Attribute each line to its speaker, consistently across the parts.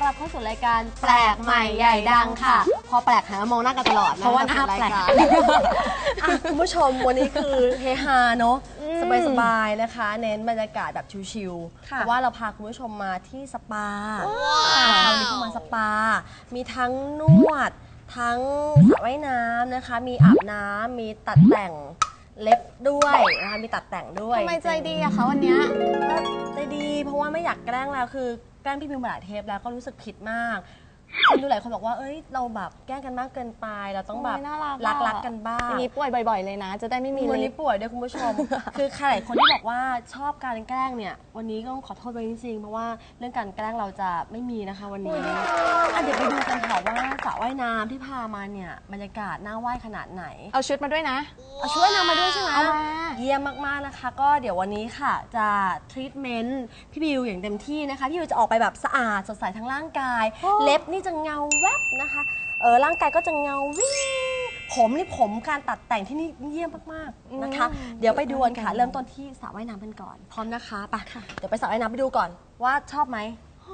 Speaker 1: รับเข้าสู่รายการแปลกใหม่ใหญ่ดังค่ะพอแปลกหามองหน้ากันตลอดนะ
Speaker 2: เพราะว่าหน้าแปลก
Speaker 1: คุณผู้ชมวันนี้คือเฮฮาเนาะสบายๆนะคะเน้นบรรยากาศแบบชิลๆเพราะว่าเราพาคุณผู้ชมมาที่สปาวันนี้เข้ามาสปามีทั้งนวดทั้งสระว่ายน้ำนะคะมีอาบน้ำมีตัดแต่งเล็บด้วยนะคะมีตัดแต่งด้วย
Speaker 2: ทำไมใจดีอะคะวันนี้
Speaker 1: ใจดีเพราะว่าไม่อยากแกล้งแล้วคือแกล้งพี่มิวมาหลายเทปแล้วก็รู้สึกผิดมากคนดูหลายคนบอกว่าเอ้ยเราแบบแกล้งกันมากเกินไปเราต้องแบบรักกันบ้าง
Speaker 2: อย่างนี้ป่วยบ่อยๆเลยนะจะได้ไม่มี
Speaker 1: วันนี้ป่วยด้วยคุณผู้ชม คือใครหลายคนที่บอกว่าชอบการแกล้งเนี่ยวันนี้ก็ต้องขอโทษไปจริงๆเพราะว่าเรื่องการแกล้งเราจะไม่มีนะคะวันนี้เดี๋ยวไปดูกันค่ะว่าสระว่ายน้ำที่พามาเนี่ยบรรยากาศน่าว่ายขนาดไหน
Speaker 2: เอาชุดมาด้วยนะ
Speaker 1: เอาชุดว่ายน้ำมาด้วยใช่ไหม
Speaker 2: เอามา
Speaker 1: เยี่ยมมากๆนะคะก็เดี๋ยววันนี้ค่ะจะทรีทเมนต์พี่บิวอย่างเต็มที่นะคะพี่บิวจะออกไปแบบสะอาดสดใสทั้งร่างกายเล็บนี่จะเงาแวบนะคะร่างกายก็จะเงาวิ่งผมการตัดแต่งที่นี่เยี่ยมมากๆนะคะเดี๋ยวไปดูกันค่ะเริ่มต้นที่สระว่ายน้ำกันก่อนพร้อมนะคะไปเดี๋ยวไปสระว่ายน้ำไปดูก่อนว่าชอบไหม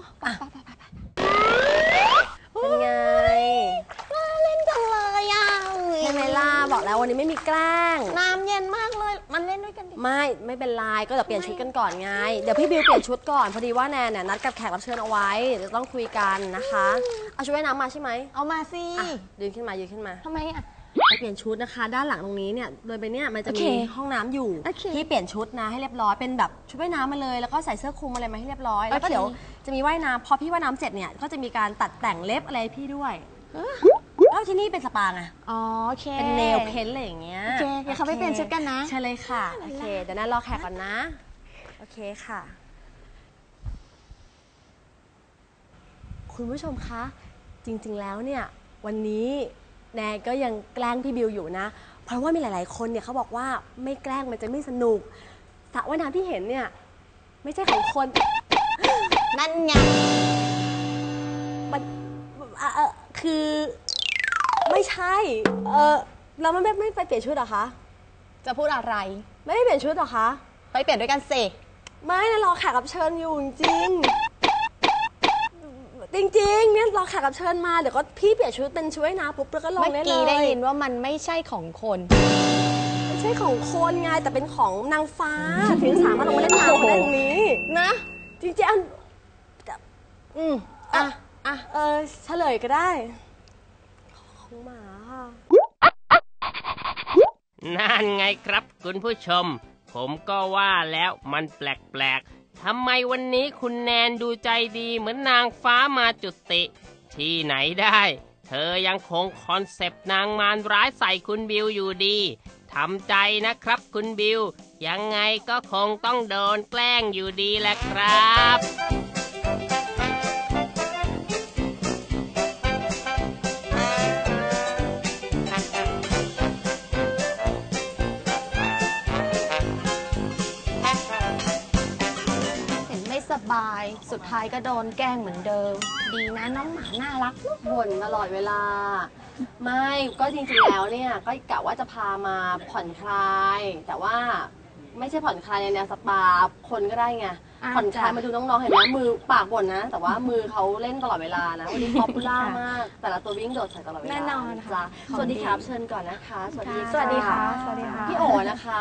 Speaker 1: เป็นไง
Speaker 2: น่าเล่นจังเลยอ่ะ
Speaker 1: ใช่ไหมล่ะบอกแล้ววันนี้ไม่มีแกล้ง
Speaker 2: น้ำเย็นมากเลยมันเล่นด้วยกันดิ
Speaker 1: ไม่เป็นไรก็เดี๋ยวเปลี่ยนชุดกันก่อนไงเดี๋ยวพี่บิวเปลี่ยนชุดก่อนพอดีว่าแนนเนี่ยนัดกับแขกรับเชิญเอาไว้เดี๋ยวต้องคุยกันนะคะเอาชุดว่ายน้ำมาใช่ไหม
Speaker 2: เอามาสิ
Speaker 1: ยืนขึ้นมา
Speaker 2: ทำไมอ่ะ
Speaker 1: ไปเปลี่ยนชุดนะคะด้านหลังตรงนี้เนี่ยโดยไปเนี่ยมันจะมีห้องน้ำอยู่ที่เปลี่ยนชุดนะให้เรียบร้อยเป็นแบบชุดว่ายน้ำมาเลยแล้วก็ใส่เสื้อคลุมอะไรมาให้เรียบร้อยแล้วก็เดี๋ยวจะมีว่ายน้ำพอพี่ว่ายน้ำเสร็จเนี่ยก็จะมีการตัดแต่งเล็บอะไรพี่ด้วยแล้วที่นี่เป็นสปาไง
Speaker 2: อ๋อโอเค
Speaker 1: เป็นเนลเพ้นอะไรอย่างเงี้ย
Speaker 2: โอเคเดี๋ยวเขาไปเปลี่ยนชุดกันนะ
Speaker 1: ใช่เลยค่ะโอเคเดี๋ยวนั้นรอแขกก่อนนะโอเคค่ะคุณผู้ชมคะจริงๆแล้วเนี่ยวันนี้แนนก็ยังแกล้งพี่บิวอยู่นะเพราะว่ามีหลายๆคนเนี่ยเขาบอกว่าไม่แกล้งมันจะไม่สนุกสระว่ายน้ำที่เห็นเนี่ยไม่ใช่ของคน
Speaker 2: นั่นไง
Speaker 1: มันคือไม่ใช่เราไม่ไปเปลี่ยนชุดหรอคะ
Speaker 2: จะพูดอะไร
Speaker 1: ไม่เปลี่ยนชุดหรอคะ
Speaker 2: ไปเปลี่ยนด้วยกันสิ
Speaker 1: ไม่นะรอแขกรับเชิญอยู่จริงเนี่ยรอแขกรับเชิญมาเดี๋ยวก็พี่เปลี่ยนชุดเป็นชุดว่ายน้ำปุ๊บแล้วก็ลงได้เลย
Speaker 2: เมื่อกี้ได้ยินว่ามันไม่ใช่ของคน
Speaker 1: ไม่ใช่ของคนไงแต่เป็นของนางฟ้าถึงสามารถลงมาเล่นน้ำได้ตรงนี้
Speaker 2: นะ
Speaker 1: จริงๆเฉลยก็ได้ของหมาค่ะ
Speaker 3: นั่นไงครับคุณผู้ชมผมก็ว่าแล้วมันแปลกๆทำไมวันนี้คุณแนนดูใจดีเหมือนนางฟ้ามาจุติที่ไหนได้เธอยังคงคอนเซปต์นางมารร้ายใส่คุณบิวอยู่ดีทำใจนะครับคุณบิวยังไงก็คงต้องโดนแกล้งอยู่ดีแหละครับ
Speaker 2: สบายสุดท้ายก็โดนแกล้งเหมือนเดิมดีนะน้องหมาน่ารัก
Speaker 1: บ่นตลอดเวลาไม่ก็จริงๆแล้วเนี่ยก็กะว่าจะพามาผ่อนคลายแต่ว่าไม่ใช่ผ่อนคลายในแนวสปาคนก็ได้ไงผ่อนคลายมาดูน้องๆเห็นไหมมือปากบ่นนะแต่ว่ามือเขาเล่นตลอดเวลานะวันนี้ป๊อปปูล่ามากแต่ละตัววิ่งโดดใส่ตลอดเวลา
Speaker 2: แน่นอนค่ะ
Speaker 1: สวัสดีครับเชิญก่อนนะคะ
Speaker 2: สวัสดีค่ะ
Speaker 1: พี่โอนะคะ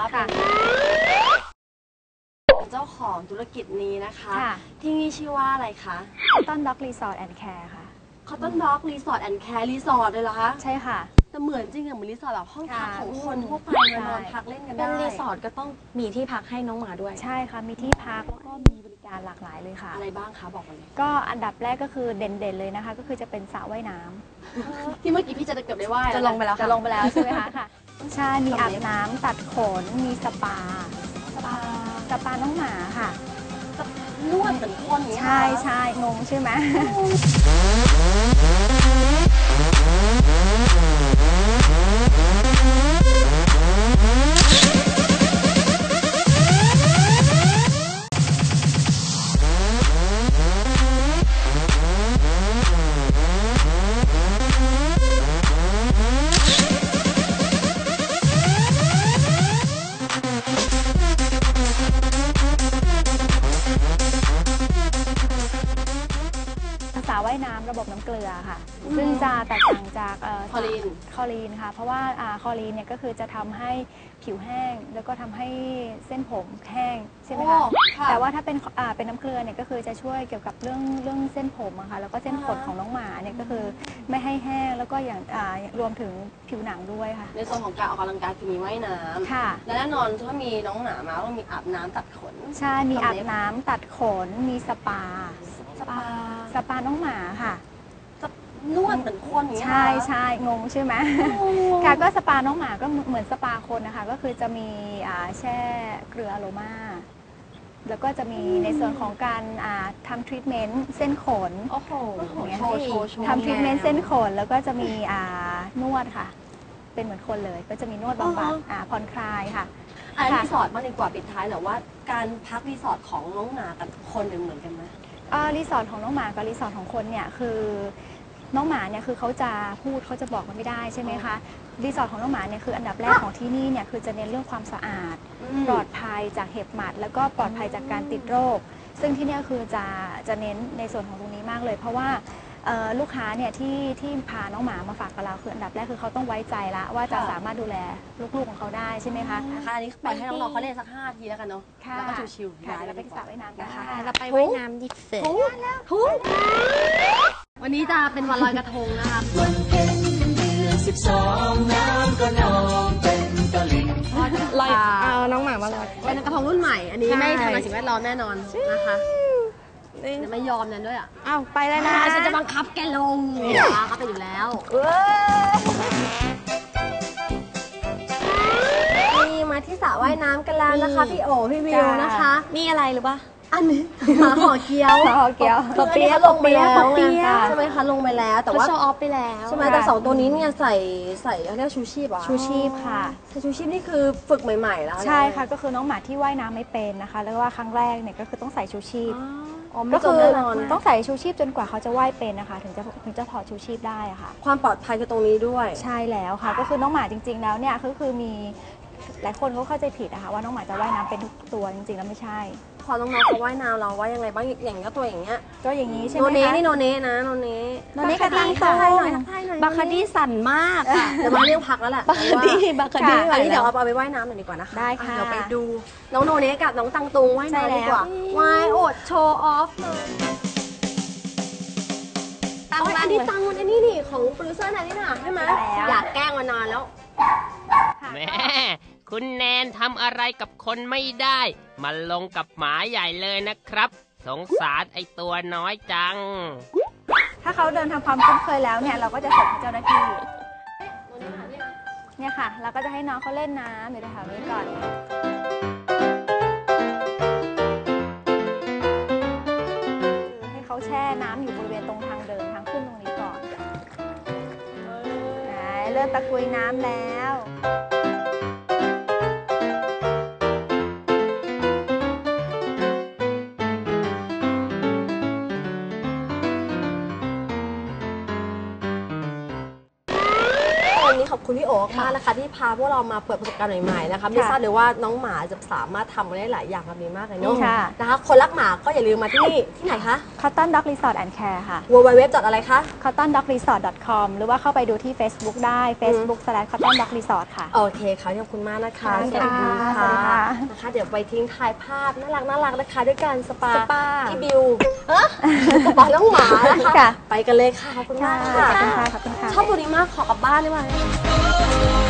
Speaker 1: เจ้าของธุรกิจนี้นะคะที่นี่ชื่อว่าอะไรคะ
Speaker 4: Cotton Dog Resort and Care ค่ะ
Speaker 1: Cotton Dog Resort and Care รีสอร์ทเลยเหรอคะ
Speaker 4: ใช่ค่ะ
Speaker 1: แต่เหมือนจริงเหมือนรีสอร์ทแบบห้องพักของคนทั่วไปนอนพักเล่นกันได้
Speaker 2: เป็นรีสอร์ทก็ต้องมีที่พักให้น้องหมาด้วย
Speaker 4: ใช่ค่ะมีที่พักแล้วก็มีบริการหลากหลายเลยค่ะ
Speaker 1: อะไรบ้างคะบอกมาเลย
Speaker 4: ก็อันดับแรกก็คือเด่นๆเลยนะคะก็คือจะเป็นสระว่ายน้
Speaker 1: ำที่เมื่อกี้พี่จะเกือบได้ว่าย
Speaker 4: จะลงไปแล้วใช่ไหมคะค่ะใช่มีอาบน้ำตัดขนมีสปาน้องหมาค่ะ
Speaker 1: นวดเหมือนคน
Speaker 4: ใช่งงใช่ไหมวว่ายน้ำระบบน้ำเกลือค่ะ ซึ่งจะแตกต่างจาก
Speaker 1: คลอรีน
Speaker 4: คลอรีนค่ะ เพราะว่าคลอรีนเนี่ยก็คือจะทำให้ผิวแห้ง แล้วก็ทำให้เส้นผมแห้งใช่ไหมคะ
Speaker 1: ค่ะ
Speaker 4: แต่ว่าถ้าเป็นน้ำเกลือเนี่ยก็คือจะช่วยเกี่ยวกับเรื่องเส้นผมอะค่ะแล้วก็เส้นขนของน้องหมาเนี่ยก็คือไม่ให้แห้งแล้วก็อย่างรวมถึงผิวหนังด้วยค่ะ
Speaker 1: ในส่วนของการออกกำลังกายคือมีว่ายน้ำ
Speaker 4: ค่ะ
Speaker 1: และแน่นอนถ้ามีน้องหมามาต้องมีอาบน้ำตัดขน
Speaker 4: ใช่มีอาบน้ำตัดขนมีสปา สปาน้องหมาค่ะ
Speaker 1: นวดเหมือนคนอย่างเงี้ย
Speaker 4: ใช่ใช่งงใช่ไหมค่ะก็สปาน้องหมาก็เหมือนสปาคนนะคะก็คือจะมีแช่เกลืออะโรมาแล้วก็จะมีในส่วนของการทำทรีทเมนต์เส้นขน
Speaker 1: โอ้โห
Speaker 4: อย่างเงี้ย
Speaker 1: โชว์โชว์โชว์
Speaker 4: ทำทรีทเมนต์เส้นขนแล้วก็จะมีนวดค่ะ เป็นเหมือนคนเลย ก็จะมีนวดบำบัดผ่อนคลายค่ะ
Speaker 1: อันรีสอร์ทมากดีกว่าปิดท้ายหน่อยว่าการพักรีสอร์ทของน้องหมากับคนเนี่ยเหมือนกันไหม
Speaker 4: รีสอร์ทของน้องหมากับรีสอร์ทของคนเนี่ยคือน้องหมาเนี่ยคือเขาจะพูดเขาจะบอกมันไม่ได้ใช่ไหมคะรีสอร์ทของน้องหมาเนี่ยคืออันดับแรกของที่นี่เนี่ยคือจะเน้นเรื่องความสะอาด ปลอดภัยจากเห็บหมัด แล้วก็ปลอดภัยจากการติดโรค ซึ่งที่เนี่ยคือจะเน้นในส่วนของตรงนี้มากเลย เพราะว่าลูกค้าเนี่ยที่พาน้องหมามาฝากกับเราคืออันดับแรกคือเขาต้องไว้ใจละว่าจะสามารถดูแลลูกๆของเขาได้ใช่ไหมคะ
Speaker 1: นะคะอันนี้ปล่อยให้น้องๆเขาเล่นสัก5 ทีแล้วกันเนาะ
Speaker 4: ค่ะ
Speaker 1: แล้วก็ชิวๆ
Speaker 4: ค่ะเราไปที่สระว่ายน้ำกัน
Speaker 1: นะคะ
Speaker 4: ค่ะ
Speaker 2: เราไปว่ายน้ำดิเสร็จ
Speaker 1: ทุกวันนี้จะเป็นวันลอยกระทงนะคะ
Speaker 5: วันเพ็ญเดือน12น้ำก็นองเต็มตลิ่ง
Speaker 2: ลอยเอาน้องหมามาลอย
Speaker 1: เป็นกระทงรุ่นใหม่ อันนี้
Speaker 2: ใช่
Speaker 1: ไม่ทำลายสิ่งแวดล้อมแน่นอนนะคะเดี๋ยวไม่ยอมนั่นด้วยอ่ะ
Speaker 2: อ้าวไปแล้วนะคะ
Speaker 1: ฉันจะบังคับแกลงเขาไปอยู่แล้วนี่มาที่สระว่ายน้ำกันแล้วนะคะพี่โอพี่วิวนะคะ
Speaker 2: นี่อะไรหรือปะ
Speaker 1: อันนี้หมาห่อเกี๊ยว
Speaker 4: หมาห่อเกี๊ยว
Speaker 1: คืออันนี้เขาลงไปแล้ว
Speaker 2: ปอเปี๊ยะ
Speaker 1: ใช่ไหมคะลงไปแล้วแต่
Speaker 2: เขา
Speaker 1: ว่า
Speaker 2: โชว์ออฟไปแล้ว
Speaker 1: ใช่ไหมแต่2 ตัวนี้เนี่ยใส่เขาเรียกชูชีพเหรอ
Speaker 4: ชูชีพค่ะ
Speaker 1: ใส่ชูชีพนี่คือฝึกใหม่ๆแล้ว
Speaker 4: ใช่ค่ะก็คือน้องหมาที่ว่ายน้ำไม่เป็นนะคะ แล้วว่าครั้งแรกเนี่ยก็คือต้องใส่ชูชีพ
Speaker 1: อ๋อไม่
Speaker 4: ก็
Speaker 1: จ
Speaker 4: คื
Speaker 1: ม
Speaker 4: อ
Speaker 1: แน่นอน
Speaker 4: ต้องใส่ชูชีพจนกว่าเขาจะว่ายเป็นนะคะ ถึงจะถอดชูชีพได้อะค่ะ
Speaker 1: ความปลอดภัยคือตรงนี้ด้วย
Speaker 4: ใช่แล้วค่ะ ก็คือน้องหมาจริง ๆ แล้วเนี่ยก็คือมีหลายคนเขาเข้าใจผิดนะคะว่าน้องหมาจะว่ายน้ำเป็นทุกตัวจริงๆแล้วไม่ใช่
Speaker 1: พอน้องๆเขาว่ายน้ำเราว่ายังไงบ้างอย่างก็ตัวอย่างเงี้ย
Speaker 4: ก็อย่างนี้ใช่
Speaker 1: โน
Speaker 4: ไหม
Speaker 1: เน่
Speaker 4: คะ
Speaker 1: นี่โนเน่นะโนเน่
Speaker 4: โนเน่ก็ดีค่ะ
Speaker 1: ทักทายหน่อยทักทายหน่อย
Speaker 2: บาคาดี้สั่นมากอะ
Speaker 1: เดี๋ยวมาเรียกพักแล้วแหละ
Speaker 2: บาคาดี้บาคาดี้
Speaker 1: อันนี้เดี๋ยวเอาไปว่ายน้ำหน่อยดีกว่านะคะ
Speaker 4: ได้ค่ะ
Speaker 1: เดี๋ยวไปดูน้องโนเน่กับน้องตังตุงว่ายน้ำดีกว่าว่ายโอดโชว์ออฟเลย
Speaker 2: ตั้ง
Speaker 1: โอ้ย
Speaker 2: บ้า
Speaker 1: อั
Speaker 2: น
Speaker 1: นนี้
Speaker 2: เลย
Speaker 1: ตังอันนี้นี่ของโปรดิวเซอร์นันนี่น่ะใช่ไหมอยากแกล้งมานานแล้ว
Speaker 3: แม่คุณแนนทำอะไรกับคนไม่ได้ มาลงกับหมาใหญ่เลยนะครับ สงสารไอตัวน้อยจัง
Speaker 4: ถ้าเขาเดินทำความคุ้นเคยแล้วเนี่ยเราก็จะส่งให้เจ้าหน้าที่เนี่ยค่ะ เราก็จะให้น้องเขาเล่นน้ำอยู่แถวๆนี้ก่อนให้เขาแช่น้ำอยู่บริเวณตรงทางเดินทางขึ้นตรงนี้ก่อนเริ่มตะกุยน้ำแล้ว
Speaker 1: วันนี้ขอบคุณพี่โอ๊คมากนะคะที่พาพวกเรามาเปิดประสบการณ์ใหม่ๆนะคะไม่ทราบเลยว่าน้องหมาจะสามารถทำได้หลายอย่างแบบนี้มากเลยเนาะ
Speaker 4: ค่ะ
Speaker 1: นะคะคนรักหมาก็อย่าลืมมาที่นี่ที่ไหนคะ
Speaker 4: Cotton Dog Resort and Care ค่ะ
Speaker 1: www. อะไรคะ
Speaker 4: cottondogresort.com หรือว่าเข้าไปดูที่ Facebook ได้ facebook/cottondogresort ค่ะ
Speaker 1: โอเคค่ะขอบคุณมากนะคะ
Speaker 4: ค่ะ
Speaker 1: สวัสดี
Speaker 4: สวัสดีค่ะ
Speaker 1: นะคะเดี๋ยวไปทิ้งถ่ายภาพน่ารักนะคะ ด้วยการสปา
Speaker 4: สปา
Speaker 1: ที่บิวสปาน้องหมานะคะ
Speaker 4: ค่ะ
Speaker 1: ไปกันเลยค่ะขอบคุณมากค่ะ
Speaker 4: ขอบคุณค่ะ ขอบคุณค่ะ
Speaker 1: ชอบตัวนี้มากขอกลับบ้านได้ไหม